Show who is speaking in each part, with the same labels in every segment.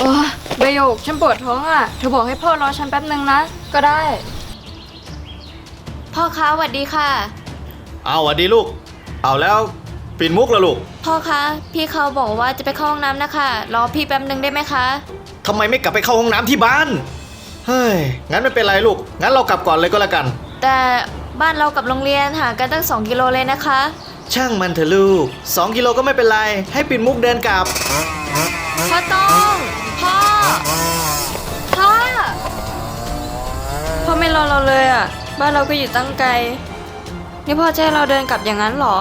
Speaker 1: โอ้ใบหยกฉันปวดท้องอ่ะเธอบอกให้พ่อรอฉันแป๊บนึงนะก็ได้พ่อคะสวัสดีค่ะ
Speaker 2: เอาสวัสดีลูกเอาแล้วปิ่นมุกละลูก
Speaker 1: พ่อคะพี่เขาบอกว่าจะไปเข้าห้องน้ำนะคะรอพี่แป๊บนึงได้ไหมคะ
Speaker 2: ทำไมไม่กลับไปเข้าห้องน้ำที่บ้านเฮ้ยงั้นไม่เป็นไรลูกงั้นเรากลับก่อนเลยก็แล้วกัน
Speaker 1: แต่บ้านเรากับโรงเรียนห่างกันตั้ง2 กิโลเลยนะคะ
Speaker 2: ช่างมันเถอะลูก2 กิโลก็ไม่เป็นไรให้ปิ่นมุกเดินกลับ
Speaker 1: พ่อต้องพ่อไม่รอเราเลยอ่ะบ้านเราก็อยู่ตั้งไกลนี่พ่อจะให้เราเดินกลับอย่างนั้นเหรอ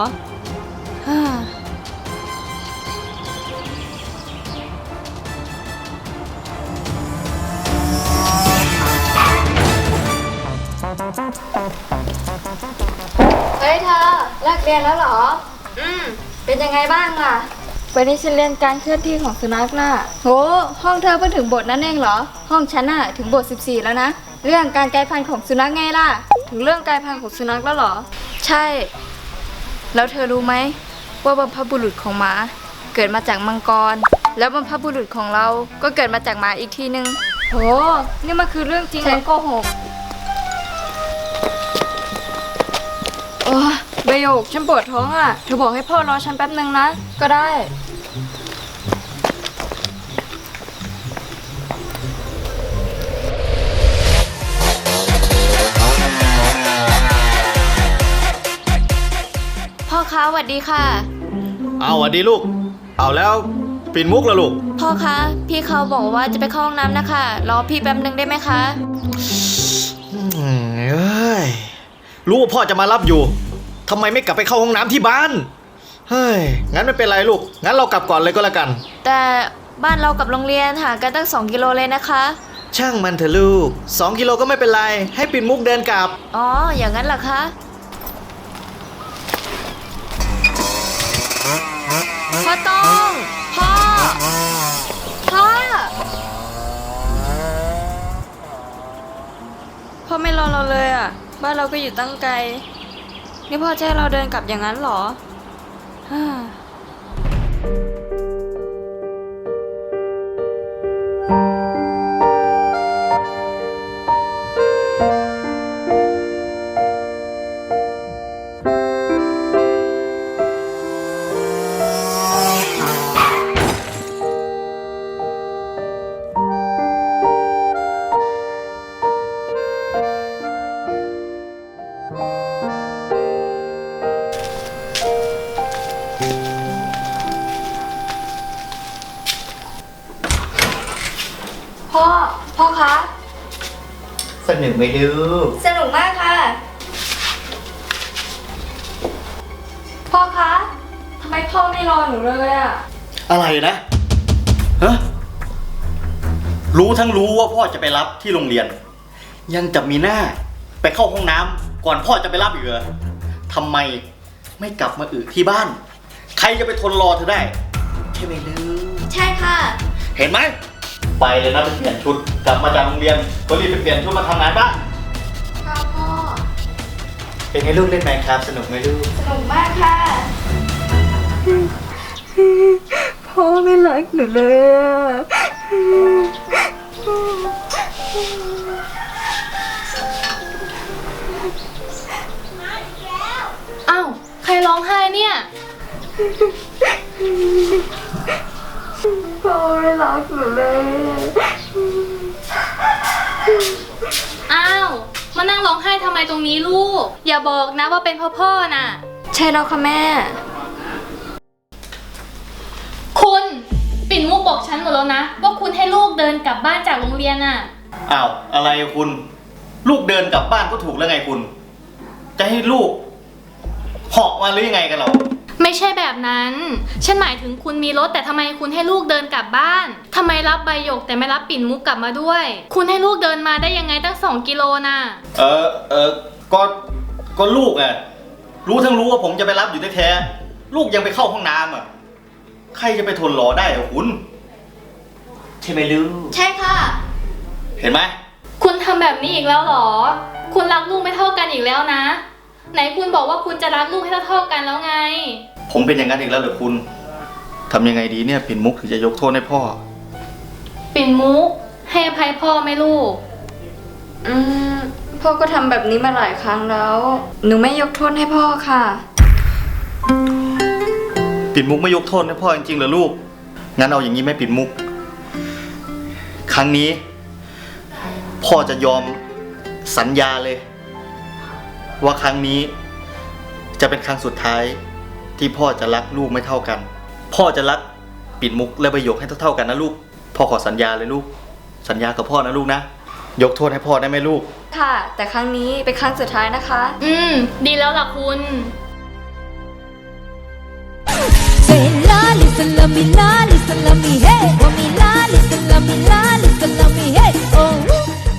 Speaker 1: เฮ้ยเธอเลิกเรียนแล้วเหรอเป็นยังไงบ้างอ่ะวันนี้ฉันเรียนการเคลื่อนที่ของสุนัขน่ะโหห้องเธอเพิ่งถึงบทนั้นเองเหรอห้องฉันน่ะถึงบท14แล้วนะเรื่องการกลายพันธุ์ของสุนัขไงล่ะถึงเรื่องกลายพันธุ์ของสุนัขแล้วเหรอใช่แล้วเธอรู้ไหมว่าบรรพบุรุษของหมาเกิดมาจากมังกรแล้วบรรพบุรุษของเราก็เกิดมาจากหมาอีกทีนึงโหนี่มันคือเรื่องจริงฉันโกหกโอ้ใบหยกฉันปวดท้องอ่ะเธอบอกให้พ่อรอฉันแป๊บนึงนะก็ได้พ่อคะสวัสดีค่ะ
Speaker 2: เอาสวัสดีลูกเอาแล้วปิ่นมุกละลูก
Speaker 1: พ่อคะพี่เขาบอกว่าจะไปเข้าห้องน้ำนะคะรอพี่แป๊บนึงได้ไหมคะ
Speaker 2: เอ้ยรู้ว่าพ่อจะมารับอยู่ทำไมไม่กลับไปเข้าห้องน้ำที่บ้านเฮ้ยงั้นไม่เป็นไรลูกงั้นเรากลับก่อนเลยก็แล้วกัน
Speaker 1: แต่บ้านเรากับโรงเรียนห่างกันตั้ง2 กิโลเลยนะคะ
Speaker 2: ช่างมันเถอะลูก2 กิโลก็ไม่เป็นไรให้ปิ่นมุกเดินกลับ
Speaker 1: อ๋ออย่างนั้นเหรอคะพ่อต้องพ่อไม่รอเราเลยอ่ะบ้านเราก็อยู่ตั้งไกลนี่พ่อจะให้เราเดินกลับอย่างนั้นเหรอพ่อคะ
Speaker 2: สนุกไหมลูก
Speaker 1: สนุกมากค่ะพ่อคะทำไมพ่อไม่รอหนูเลยอะ
Speaker 2: อะไรนะฮะรู้ทั้งรู้ว่าพ่อจะไปรับที่โรงเรียนยังจะมีหน้าไปเข้าห้องน้ำก่อนพ่อจะไปรับอีกเหรอทำไมไม่กลับมาที่บ้านใครจะไปทนรอเธอได้ใช่ไหมลูก
Speaker 1: ใช่ค่ะ
Speaker 2: เห็นไหมไปเลยนะไปเปลี่ยนชุดกลับมาจากโรงเรียนก็รีบไปเปลี่ยนชุดมาทำงานบ้าน
Speaker 1: ค่ะพ่อ
Speaker 2: เป็นไงลูกเล่นแมนครับสนุกไหมลูก
Speaker 1: สนุกมากค่ะพ่อไม่รักหนูเลย
Speaker 3: อ้าวใครร้องไห้เนี่ย
Speaker 1: พ่อไม่รักหนูเลย
Speaker 3: อ้าวมานั่งร้องไห้ทำไมตรงนี้ลูกอย่าบอกนะว่าเป็นพ่อน่ะ
Speaker 1: ใช่แล้วค่ะแม่
Speaker 3: คุณปิ่นมุกบอกฉันหมดแล้วนะว่าคุณให้ลูกเดินกลับบ้านจากโรงเรียนน่ะ
Speaker 2: อ้าวอะไรคุณลูกเดินกลับบ้านก็ถูกแล้วไงคุณจะให้ลูกเหาะมาหรือยังไงกันหรอ
Speaker 3: ไม่ใช่แบบนั้นฉันหมายถึงคุณมีรถแต่ทำไมคุณให้ลูกเดินกลับบ้านทำไมรับใบหยกแต่ไม่รับปิ่นมุกกลับมาด้วยคุณให้ลูกเดินมาได้ยังไงตั้ง2 กิโลน่ะ
Speaker 2: ก็ลูกอะรู้ทั้งรู้ว่าผมจะไปรับอยู่แท้ๆลูกยังไปเข้าห้องน้ำอะใครจะไปทนรอได้อะคุณใช่ไหมลูก
Speaker 1: ใช่ค่ะ
Speaker 2: เห็นไหม
Speaker 3: คุณทำแบบนี้อีกแล้วเหรอคุณรักลูกไม่เท่ากันอีกแล้วนะไหนคุณบอกว่าคุณจะรักลูกให้เท่ากันแล้วไง
Speaker 2: ผมเป็นอย่างนั้นอีกแล้วเหรอคุณทำยังไงดีเนี่ยปิ่นมุกถึงจะยกโทษให้พ่อ
Speaker 3: ปิ่นมุกให้อภัยพ่อไหมลูก
Speaker 1: พ่อก็ทำแบบนี้มาหลายครั้งแล้ว หนูไม่ยกโทษให้พ่อค่ะ
Speaker 2: ปิ่นมุกไม่ยกโทษให้พ่อจริงๆเหรอลูก งั้นเอาอย่างนี้ไหมปิ่นมุก ครั้งนี้ พ่อจะยอมสัญญาเลย ว่าครั้งนี้จะเป็นครั้งสุดท้ายที่พ่อจะรักลูกไม่เท่ากัน พ่อจะรักปิ่นมุกและใบหยกให้เท่าๆกันนะลูก พ่อขอสัญญาเลยลูก สัญญากับพ่อนะลูกนะ ยกโทษให้พ่อได้ไหมลูก
Speaker 1: ค่ะ แต่ครั้งนี้เป็นครั้งสุดท้ายนะคะ
Speaker 3: ดีแล้วล่ะคุณ
Speaker 4: Say la, listen, love me, la, listen, love me, hey. Want me, la, listen, love me, la, listen, love me, hey. Oh.